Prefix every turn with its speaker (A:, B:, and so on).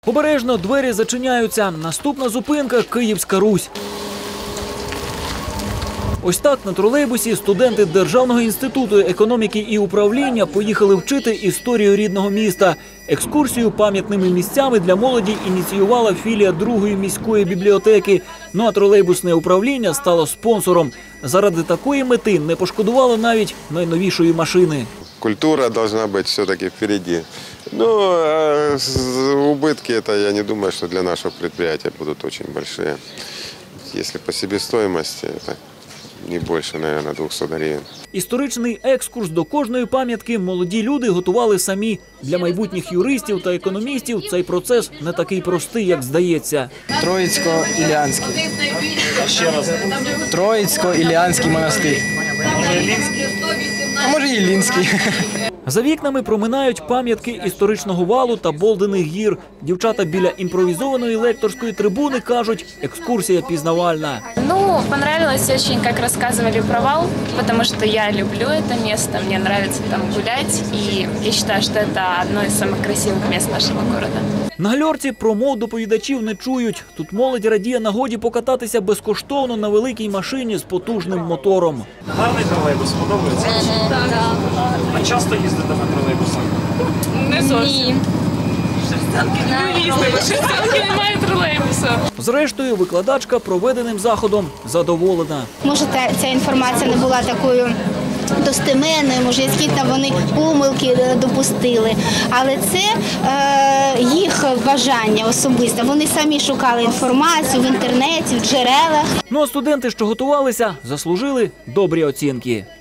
A: Обережно двері зачиняються. Наступна зупинка – Київська Русь. Ось так на тролейбусі студенти Державного інституту економіки і управління поїхали вчити історію рідного міста. Екскурсію пам'ятними місцями для молоді ініціювала філія 2-ї міської бібліотеки. Ну а тролейбусне управління стало спонсором. Заради такої мети не пошкодувало навіть найновішої машини.
B: Культура должна быть все-таки впереди. Но убытки, это я не думаю, что для нашего предприятия будут очень большие. Если по себестоимости, это не більше, мабуть, 200 гривень.
A: Історичний екскурс до кожної пам'ятки молоді люди готували самі. Для майбутніх юристів та економістів цей процес не такий простий, як здається.
C: Троїцько-Іллянський. Ще раз. Троїцько-Іллянський монастир.
D: Може, Іллінський?
C: А може, Іллінський.
A: За вікнами проминають пам'ятки історичного валу та Болдиних гір. Дівчата біля імпровізованої лекторської трибуни кажуть, екскурсія пізнавальна.
E: Ну, понравилось очень, как рассказывали про вал, потому что я люблю это место, мне нравится там гулять, и я считаю, что это одно из самых красивых мест нашего города.
A: На гальорці промов доповідачів не чують. Тут молодь радіє нагоді покататися безкоштовно на великій машині з потужним мотором.
D: Гарний тролейбус, подобається? Так. А часто їздите на тролейбусах?
E: Не зовсім. Шерстянки немає тролейбусу.
A: Зрештою, викладачка проведеним заходом задоволена.
F: Може, ця інформація не була такою достеменною, може, якісь там вони помилки допустили. Але це їх бажання особисте. Вони самі шукали інформацію в інтернеті, в джерелах.
A: Ну а студенти, що готувалися, заслужили добрі оцінки.